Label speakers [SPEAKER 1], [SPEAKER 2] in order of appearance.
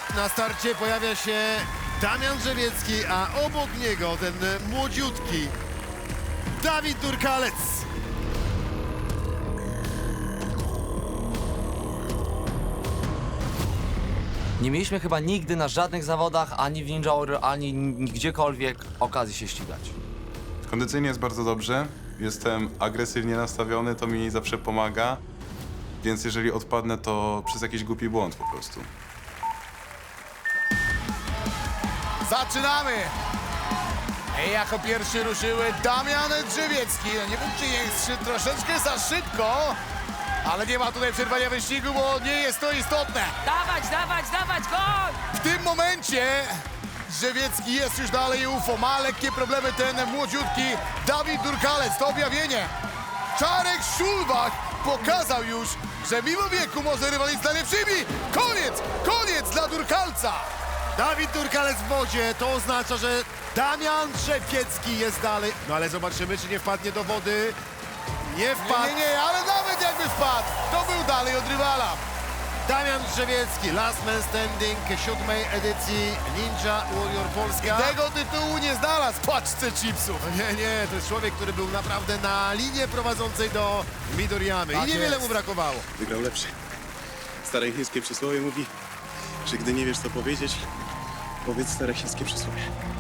[SPEAKER 1] Na starcie pojawia się Damian Drzewiecki, a obok niego ten młodziutki Dawid Durkalec.
[SPEAKER 2] Nie mieliśmy chyba nigdy na żadnych zawodach, ani w Ninja Warrior, ani gdziekolwiek okazji się ścigać.
[SPEAKER 3] Kondycyjnie jest bardzo dobrze. Jestem agresywnie nastawiony, to mi zawsze pomaga. Więc jeżeli odpadnę, to przez jakiś głupi błąd po prostu.
[SPEAKER 4] Zaczynamy! Jako pierwszy ruszyły Damian Drzewiecki. No nie wiem, czy jest troszeczkę za szybko, ale nie ma tutaj przerwania wyścigu, bo nie jest to istotne.
[SPEAKER 5] Dawać, goń!
[SPEAKER 4] W tym momencie Drzewiecki jest już dalej UFO. Ma lekkie problemy ten młodziutki Dawid Durkalec. To objawienie. Czarek Szulbach pokazał już, że mimo wieku może rywalizować z najlepszymi. Koniec dla Durkalca.
[SPEAKER 1] Dawid Durkalec w wodzie, to oznacza, że Damian Drzewiecki jest dalej. No ale zobaczymy, czy nie wpadnie do wody. Nie wpadł.
[SPEAKER 4] Nie, ale nawet jakby wpadł, to był dalej od rywala.
[SPEAKER 1] Damian Drzewiecki, Last Man Standing 7. edycji Ninja Warrior Polska.
[SPEAKER 4] Tego tytułu nie znalazł w paczce chipsów.
[SPEAKER 1] Nie, to jest człowiek, który był naprawdę na linie prowadzącej do Midoriyamy
[SPEAKER 4] Tak
[SPEAKER 1] i niewiele
[SPEAKER 4] jest.
[SPEAKER 1] mu brakowało.
[SPEAKER 6] Wygrał lepszy. Stare chińskie przysłowie mówi, że gdy nie wiesz co powiedzieć, powiedz stare chińskie przysłowie.